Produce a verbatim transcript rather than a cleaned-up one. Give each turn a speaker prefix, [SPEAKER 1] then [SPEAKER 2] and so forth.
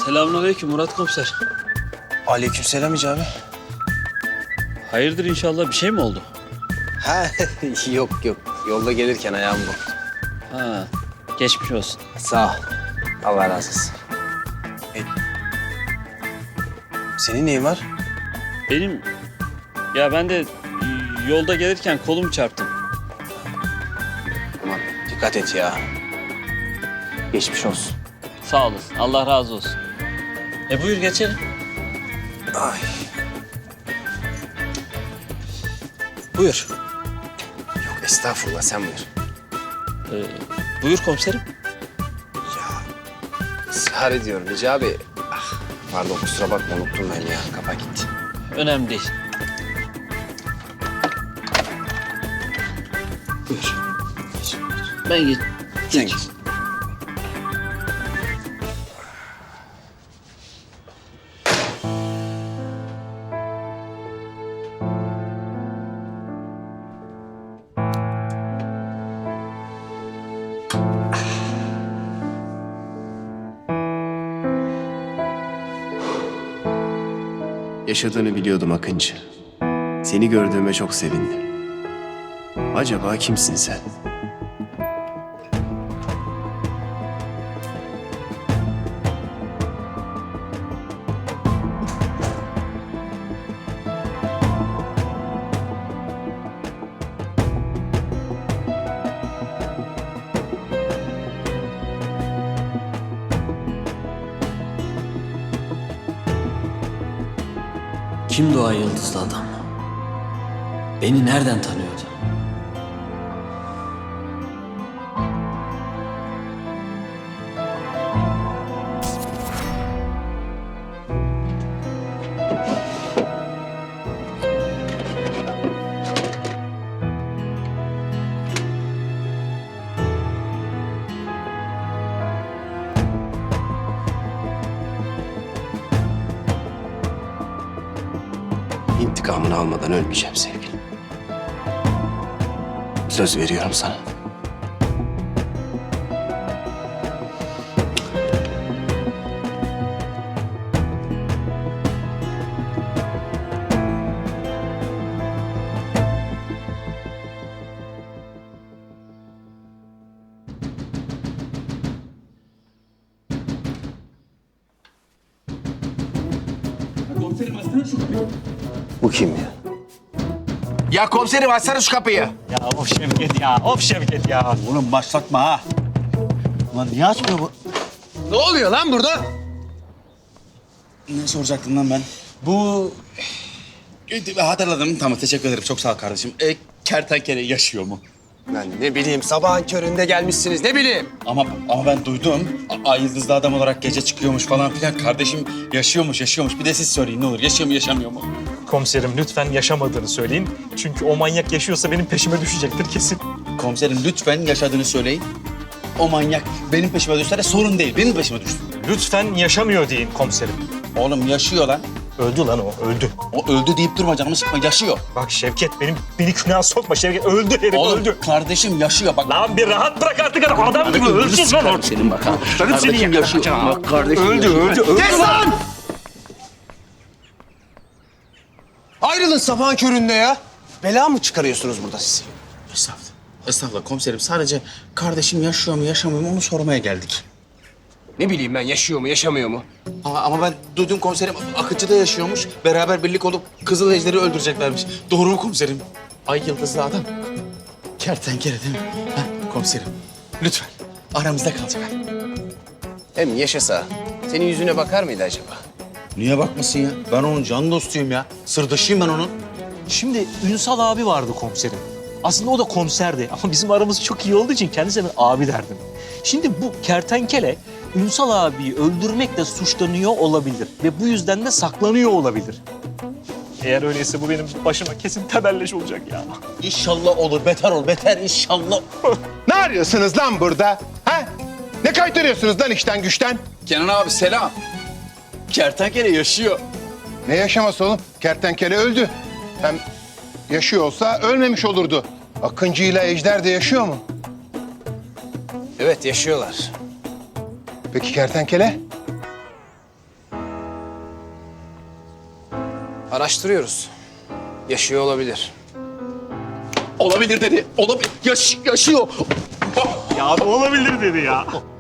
[SPEAKER 1] Selamünaleyküm Murat Komiser.
[SPEAKER 2] Aleykümselam Hicabi.
[SPEAKER 1] Hayırdır inşallah bir şey mi oldu?
[SPEAKER 2] Ha yok yok. Yolda gelirken ayağım burktu.
[SPEAKER 1] Ha, geçmiş olsun.
[SPEAKER 2] Sağ ol. Allah razı olsun. E, senin neyin var?
[SPEAKER 1] Benim, ya ben de yolda gelirken kolumu çarptım.
[SPEAKER 2] Aman dikkat et ya. Geçmiş olsun.
[SPEAKER 1] Sağ olasın, Allah razı olsun. E buyur geçelim.
[SPEAKER 2] Ay. Buyur. Yok estağfurullah sen buyur.
[SPEAKER 1] Ee, buyur komiserim.
[SPEAKER 2] Ya ısrar ediyorum Hicabi. Ah, pardon kusura bakma unuttum ben ya. Kafa gitti.
[SPEAKER 1] Önemli değil.
[SPEAKER 2] Buyur.
[SPEAKER 1] Ben geç.
[SPEAKER 2] Sen
[SPEAKER 1] geç.
[SPEAKER 2] git.
[SPEAKER 3] Yaşadığını biliyordum Akıncı. Seni gördüğüme çok sevindim. Acaba kimsin sen?
[SPEAKER 4] Kimdi o ay yıldızlı adam? Beni nereden tanıyordu?
[SPEAKER 3] İntikamını almadan ölmeyeceğim sevgilim. Söz veriyorum sana.
[SPEAKER 2] Bu kim ya?
[SPEAKER 5] Ya komiserim açsana şu kapıyı.
[SPEAKER 6] Ya of Şevket ya, of Şevket ya. Oğlum başlatma ha. Ulan niye açmıyor bu?
[SPEAKER 5] Ne oluyor lan burada?
[SPEAKER 6] Ne soracaktım lan ben? Bu... E, Hatırladım, tamam teşekkür ederim. Çok sağ ol kardeşim. E, kertenkele yaşıyor mu?
[SPEAKER 2] Ben ne bileyim sabahın köründe gelmişsiniz ne bileyim.
[SPEAKER 6] Ama ama ben duydum. A- Ay yıldızlı adam olarak gece çıkıyormuş falan filan. Kardeşim yaşıyormuş, yaşıyormuş. Bir de siz söyleyin ne olur. Yaşıyor mu, yaşamıyor mu?
[SPEAKER 7] Komiserim lütfen yaşamadığını söyleyin. Çünkü o manyak yaşıyorsa benim peşime düşecektir kesin.
[SPEAKER 6] Komiserim lütfen yaşadığını söyleyin. O manyak benim peşime düşse de sorun değil. Benim peşime düşsün.
[SPEAKER 7] Lütfen yaşamıyor deyin komiserim.
[SPEAKER 6] Oğlum yaşıyor lan.
[SPEAKER 7] Öldü lan o, öldü.
[SPEAKER 6] O öldü deyip durma canımı sıkma. Yaşıyor.
[SPEAKER 7] Bak Şevket benim beni günaha sokma Şevket. Öldü herif
[SPEAKER 6] Oğlum
[SPEAKER 7] öldü.
[SPEAKER 6] kardeşim yaşıyor bak.
[SPEAKER 7] Lan bir rahat bırak artık adam, adam gibi ölsün lan.
[SPEAKER 6] Senin bak ha.
[SPEAKER 7] Kardeşim
[SPEAKER 6] yaşıyor. Bak kardeşim
[SPEAKER 7] Öldü, öldü, öldü.
[SPEAKER 2] Kes lan! Ayrılın sabahın köründe ya. Bela mı çıkarıyorsunuz burada siz?
[SPEAKER 6] Estağfurullah. Estağfurullah komiserim. Sadece kardeşim yaşıyor mu yaşamıyor mu onu sormaya geldik.
[SPEAKER 2] Ne bileyim ben yaşıyor mu yaşamıyor mu?
[SPEAKER 6] Aa, ama ben duydum komiserim Akıncı'da yaşıyormuş. Beraber birlik olup Kızıl Ejder'i öldüreceklermiş. Doğru mu komiserim? Ay yıldızlı adam. Kertenkele değil mi? Ha, komiserim. Lütfen. Aramızda kalacak.
[SPEAKER 2] Hem yaşasa senin yüzüne bakar mıydı acaba?
[SPEAKER 6] Niye bakmasın ya? Ben onun can dostuyum ya. Sırdaşıyım ben onun.
[SPEAKER 7] Şimdi Ünsal abi vardı komiserim. Aslında o da komiserdi ama bizim aramız çok iyi olduğu için kendisine ben abi derdim. Şimdi bu kertenkele Ünsal abiyi öldürmekle suçlanıyor olabilir ve bu yüzden de saklanıyor olabilir. Eğer öyleyse bu benim başıma kesin tebelleş olacak ya.
[SPEAKER 6] İnşallah olur. Beter ol. Beter inşallah.
[SPEAKER 5] Ne arıyorsunuz lan burada? Ha? Ne kaytarıyorsunuz lan işten güçten?
[SPEAKER 6] Kenan abi selam. Kertenkele yaşıyor.
[SPEAKER 5] Ne yaşaması oğlum? Kertenkele öldü. Hem yaşıyor olsa ölmemiş olurdu. Akıncı ile Ejder de yaşıyor mu?
[SPEAKER 2] Evet yaşıyorlar.
[SPEAKER 5] Peki kertenkele?
[SPEAKER 2] Araştırıyoruz. Yaşıyor olabilir.
[SPEAKER 6] Olabilir dedi. Olabilir. Yaş yaşıyor.
[SPEAKER 7] Ya abi olabilir dedi ya.